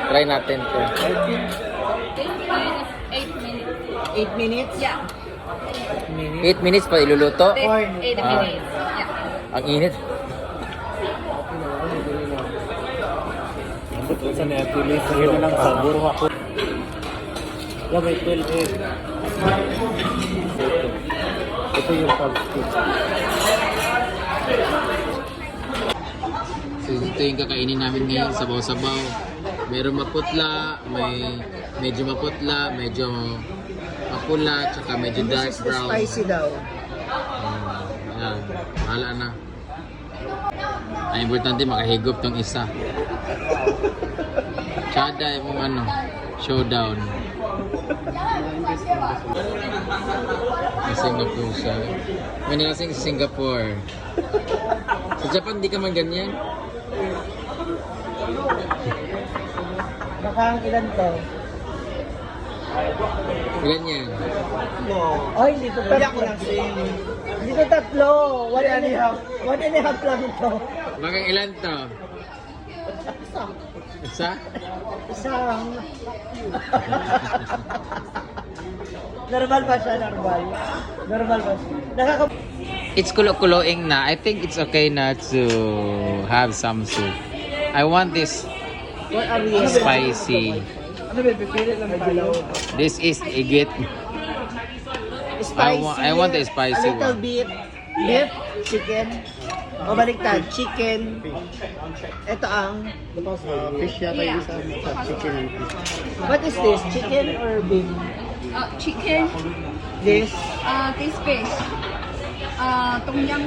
Try natin to. 8 minutes. 8 minutes? Yeah. 8 minutes pa iluluto. 8 minutes. Yeah. Ang init. Sa Netflix, yun na lang sabor ako. Yeah, may 12 egg. Ito yung pag-stick. So, ito yung kakainin namin ngayon, sabaw-sabaw. Meron maputla, may medyo maputla, medyo mapula, tsaka medyo dark brown. Spicy daw. Ayan, bahala na. Ang importante makahigop tong isa. Tsada yung ano, showdown. Sa Singapore siya. May nalasing sa Singapore. Sa Japan, di ka man ganyan. Baka ilan to? Ganyan. Ay, dito tatlo. Dito tatlo. 1.5 lang ito. Baka ilan to? Isa? Isang. Normal ba siya? Normal. Normal ba siya? It's kulo-kuloing na. I think it's okay na to have some soup. I want this What are we? spicy. Ano ba? Pipili lang tayo. This is igit. Spicy. I want the spicy A little one. bit. Beef, chicken. O baliktad, chicken. Ito ang... Fish yata yung isa. Chicken and fish. What is this? Chicken or beef? Chicken. This? This fish. Tom yum.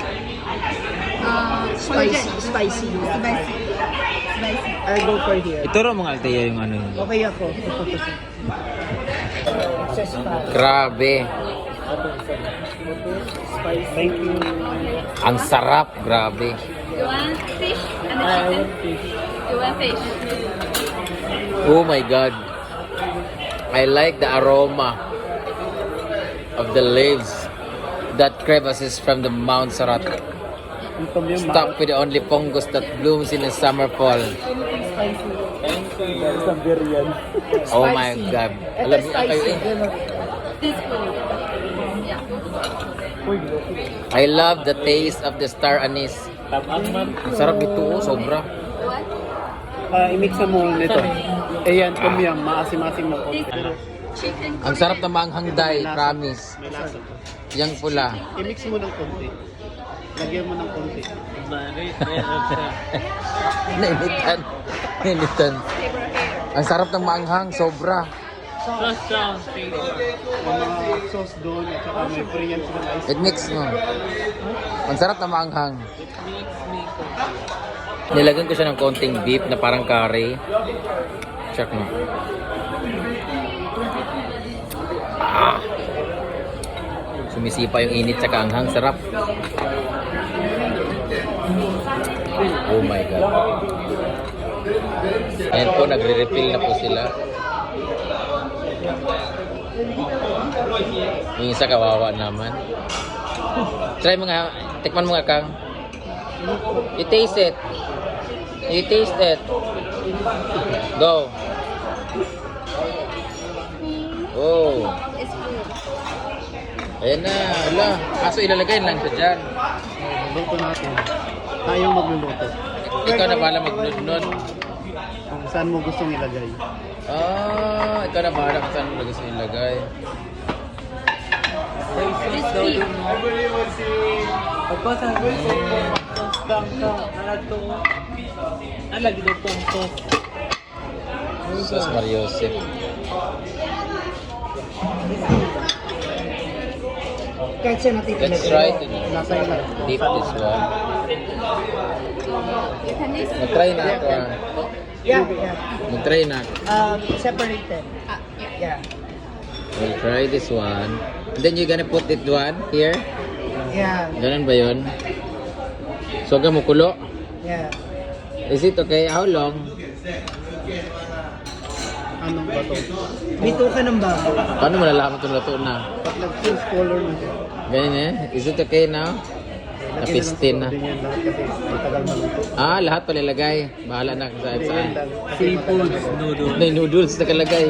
Spicy. Spicy. Spicy. I'll go for here. Ituro mo nga Althea yung ano yun. Okay ako. Excess pa. Grabe. Thank you. Ang sarap. Grabe. You want fish and I chicken? want fish. You want fish? Oh my God. I like the aroma of the leaves that crevices from the Mount Sarat. Yung tom yum. Stuck with the only fungus that blooms in the summer fall. Sa biryan. Oh my God. Alam niyo kayo eh. This food. Yeah. Uy, I love the taste of the star anise. tabang man. Ang sarap ito oh, sobra. What? I-mix na mo nito. Ayan, tom yum. Maasim-asim na konti. Chicken. Ang sarap na maanghang day, promise. May lasa. Yang pula. I-mix mo ng konti. Lagyan mo ng konti. Nainitan. Nainitan. Ang sarap ng maanghang, sobra. Yung mga sauce doon at saka may Korean sila na ice. It mix mo. Ang sarap na maanghang. Nilagyan ko siya ng konting beef na parang curry. Check mo. Ah. Sumisipa yung init tsaka anghang. Sarap. Oh my God. Ayan po, nagre-refill na po sila. Yung isa kawawa naman. Try mo nga, tikman mo nga Kang. You taste it. You taste it. Go. Oh. It's food. Ayan na. Wala. Kaso ilalagay lang siya dyan. Luto natin. Tayong magluluto. Ikaw na bahala magnunod. Kung saan mo gustong ilagay. Ah, ikaw na bahala kung saan mo gusto ilagay. Crispy. Sus Mariosep. Kahit siya natin Let's try to Nasa ilan? dip this one. You can use. Mag-try na ako ah. Yeah, yeah. Mag-try na ako. Separated. Yeah. Yeah. We'll try this one. And then you're gonna put it one here. Yeah. Ganun ba yun? So, mo kulo? Yeah. Is it okay? How long? Anong bato? Dito ka ng baboy. Paano malalaman kung luto na? Pag nag-change color na siya. Ganyan eh? Is it okay now? Napistin na. Din yan lahat kasi matagal maluto. Ah, lahat palalagay. Bahala na kung saan saan. Seafood, noodles. May noodles nakalagay.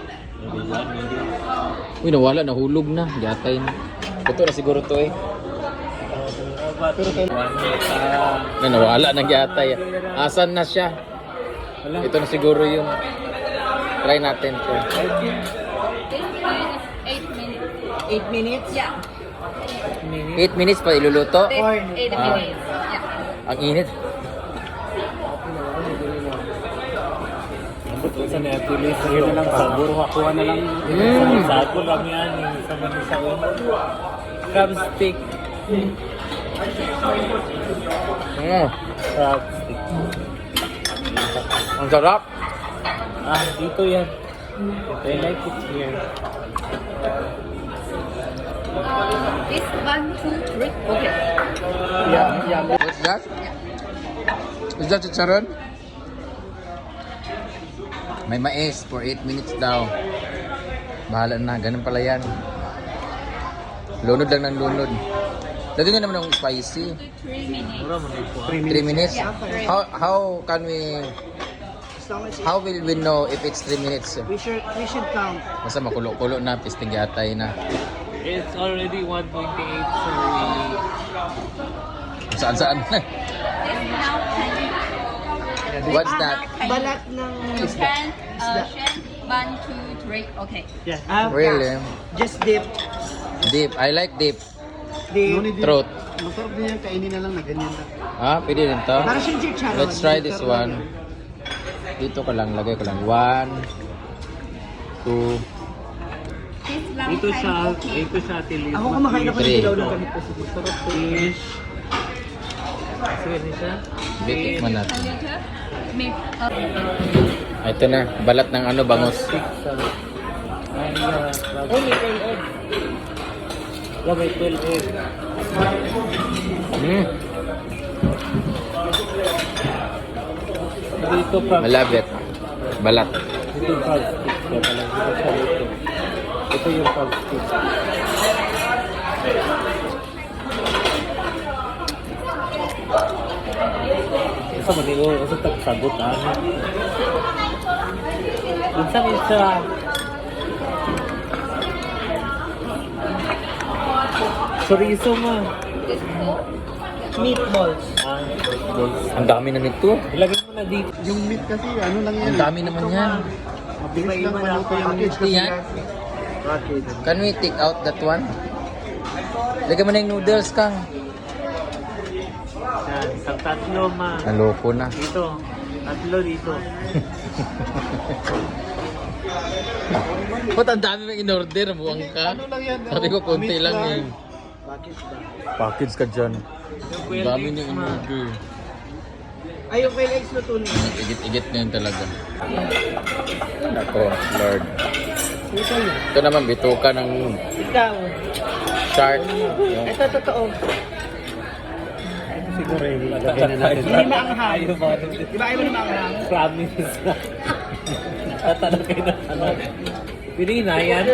Uy, nawala, nahulog na. Gatay na. Ito na siguro to eh. Pero Na nawala ng gatay. Asan na siya? Ito na siguro yung try natin to. This is 8 minutes. 8 minutes? Yeah. 8 minutes pa iluluto. This 8 Ah. minutes. Yeah. Ang init. sa Netflix, yun na lang sabor, hakuha na lang. Sabor lang yan, sa manisa yun. Crab stick. Crab stick. Ang sarap. Ah, dito yan. I like it here. This 1, 2, 3. Okay. Yeah. What's that? Is that chicharon? May mais for 8 minutes daw. Bahala na, ganun pala yan. Lunod lang ng lunod. Lagyan nyo naman ng spicy. 3 minutes. 3 minutes? How can we... As long as How will we know if it's 3 minutes? we should count. Basta makulo-kulo na, pisting yatay na. It's already 1:28, so Saan-saan na. This now What's that? Balat ng isda. 1, 2, 3. Okay. Really? Just dip. Deep. I like deep. Dip. Throat. masarap din yan, kainin na lang na ganyan lang. Ah, pwede rin to. Para siyang chicharon. Let's try this one. Dito ko lang, lagay ko lang. 1, 2, This long Ito time okay. siya tilis. Ako kumakain ako ng Three. dilaw ng gamit ko. Masarap fish. Sige siya. bitik man A natin. little. Maybe. Ito na, balat ng ano, bangus. Oh, may tail egg. Yeah, may 12 egg. Dito pa. Malabit. Balat. Ito yung crab stick. Kaya pala, ito siya dito. Ito yung crab stick. Isa man ito, isa tagsagot ano. Minsan isa. Chorizo ma. This cool. Meatballs. Ah, balls. Ang dami na nito. Ilagay mo na dito. Yung meat kasi ano lang yan. Ang dami naman yan. Mabilis lang maluto yung meat. Hindi yan. Can we take out that one? Lagyan mo na yung noodles, Kang. Yan, isang tatlo ma. Naloko na. Dito. Tatlo dito. Ba't ang dami mong in-order? Buwang ka. Ano lang yan? Sabi ko, konti Meat lang eh. Package ka dyan. Yung Ang dami 12 niyong ma. in-order. Ay, yung quail eggs luto na. Igit-igit na yun talaga. Ako, Lord. Ito na. Ito naman, bituka ng Ikaw. shark. Yung Ito, totoo. Siguro yung lagay na natin. Hindi maanghang. Ayaw ba? Di ba ayaw mo na maanghang? Promise na. Tatanong kayo na tanong. Pili na yan.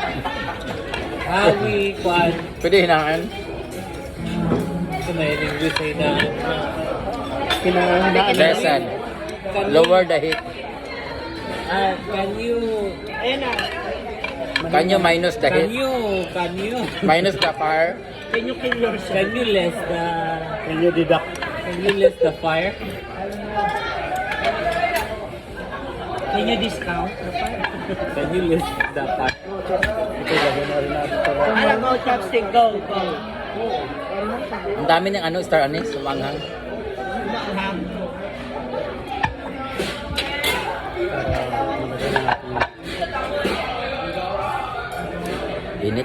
Hawi, kwan. pwede hinangan. Ito na yung English ay na. Kinahanaan na. Lesson. Lower the heat. Can you... Ayan na. Can you minus the Can heat? you... Minus the fire? Can you kill yourself? Can you less the... Can you deduct? Can you less the fire? Can you discount? Can you less the fire? Ito, lagyan na rin natin ito. Ano, go, chopstick, go, go. Ang dami ng ano, star anise, sumanghang. Maanghang. Init.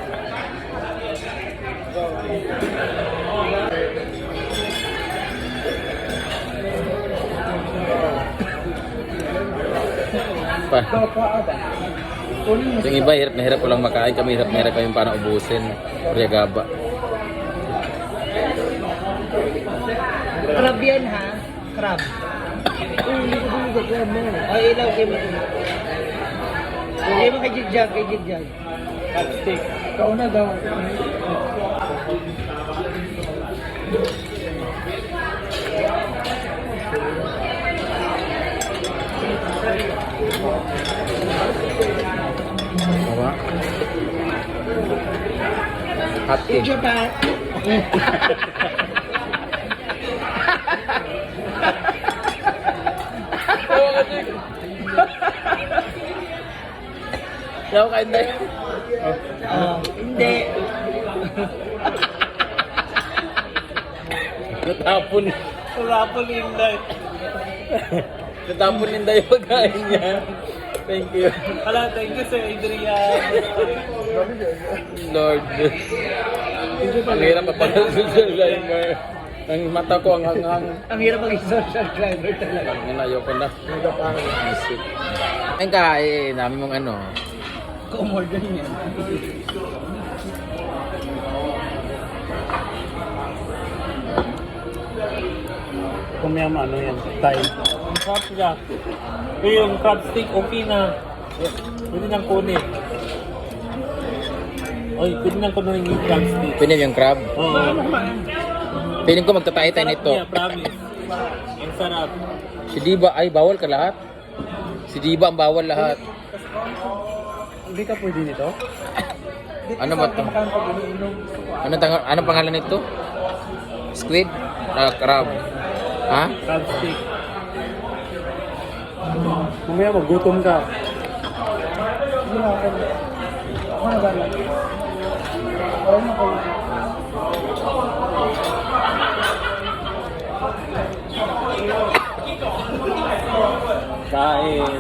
Pa. Yung iba, hirap na hirap ko lang makain. Kami hirap na hirap kami para ubusin. Purya gaba. Crab yan, ha? Crab. Hindi ko bumugod. Crab mo. O, ilaw, kayo mo. Kayo mo kay Jigjag, kay Jigjag. Stick. Ikaw na daw. Apa? Hati. In Japan. Daw ka hindi. Hindi. Natapon. Rapol Inday. Natapon din yung pagkain niya. Thank you. Ala, thank you Sir Adrian. Lord. Ang hirap pa pala social climber. Ang mata ko ang hanghang. Ang hirap maging social climber talaga. Ang ayoko na. Isip. Ang kain namin mong ano. Kumorder niya. Kung may ano yan, Thai. Ang crab siya. Pero yung crab stick, okay na. Pwede nang kunin. Oy, pwede nang kunin yung crab stick. Pinim yung crab. Oo. Piling ko magtatay tayo nito. Sarap niya, promise. Ang sarap. Si Diba, ay bawal ka lahat. Si Diba ang bawal lahat. Hindi ka pwede nito? Ano ba ito? Ano pangalan nito? Squid? Crab. Ha? Crab stick. Mamaya magutom ka. Kain.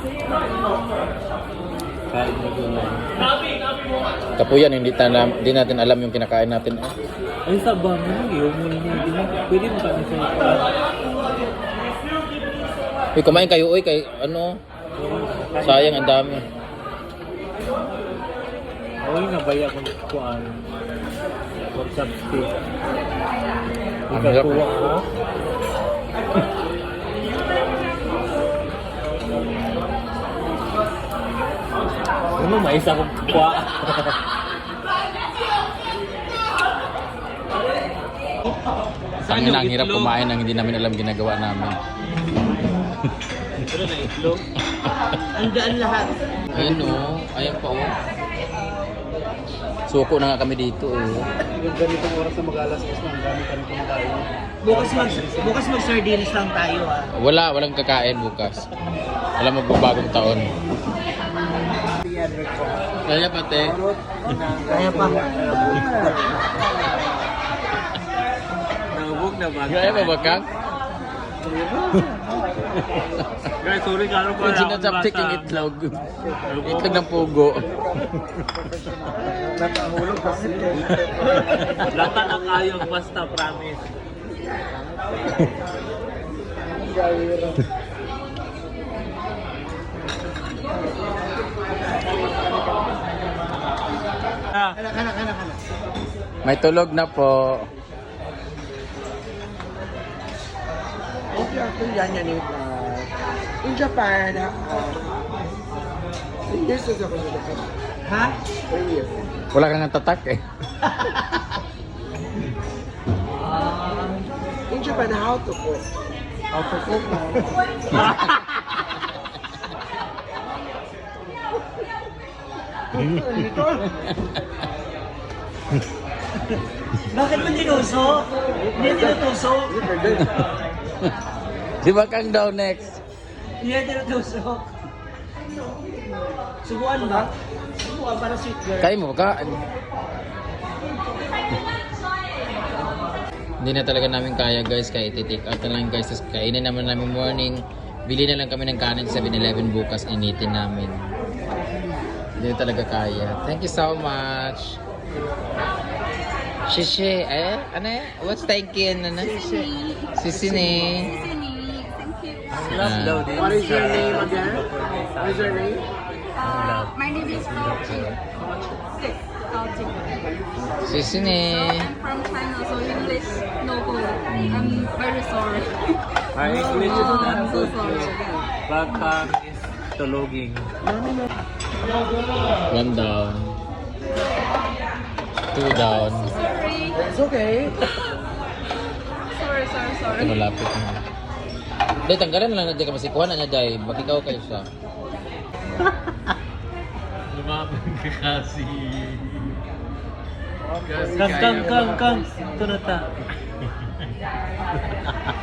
Kain na gulay. Kapuyan, hindi natin alam yung kinakain natin. Ay, sabang mo. Iyon mo niya. Pwede mo kami sa ikan. Uy, kumain kayo, uy, kay ano? Sayang, ang dami. Uy, nabaya ko kuan. For chopstick. Ang hirap. Ikakuha ko. Ano, mais akong kuha. Ang ina, ang hirap kumain ang hindi namin alam ginagawa namin. Pero na itlog. Andaan lahat. Ayun o, ayan pa o. Suko na nga kami dito Ganitong oras na mag-alas-alas na ang dami kami kumakain. Bukas mag-sardines lang tayo ah. Walang kakain bukas. Walang magbabagong taon. Kaya pati. Kaya pa. Nabog na ba? Kaya ba bakang? Guys, sorry ka ano pa. Sinasaptik yung itlog. Itlog ng pugo. Lata na kayo, basta promise. Kana. May tulog na po. Okay, ako yan in Japan, years ago ako sa Japan. Ha? 3 years. Wala kang tatak eh. In Japan, how to cook? How to cook? Bakit mo tinusok? Hindi tinutusok. Di ba kang daw next? Hindi tinutusok. Subuan ba? Subuan para sweet girl. Kain mo ka? Hindi na talaga namin kaya guys, kaya iti-take out na lang guys. Tapos kainin naman namin morning. Bili na lang kami ng kanin sa 7-Eleven bukas, initin namin. Hindi na talaga kaya. Thank you so much. Shishi, ano yan? What's thank you? Ano? Sisini. Love daw din. What is your name again? What is your name? My name is Gao Jing. Gao Jing. Sisini. I'm from China, so English no good. I'm very sorry. Our English is Oh, not I'm so good. sorry. Bakang is tuloging. One down. 2 down. Sorry. It's okay. sorry. Ito malapit na. Dahil tanggalan na lang na dyan ka masikuhan na niya dahil. Magikaw kayo siya. Lumapit ka kasi. Kang. Ito na ta.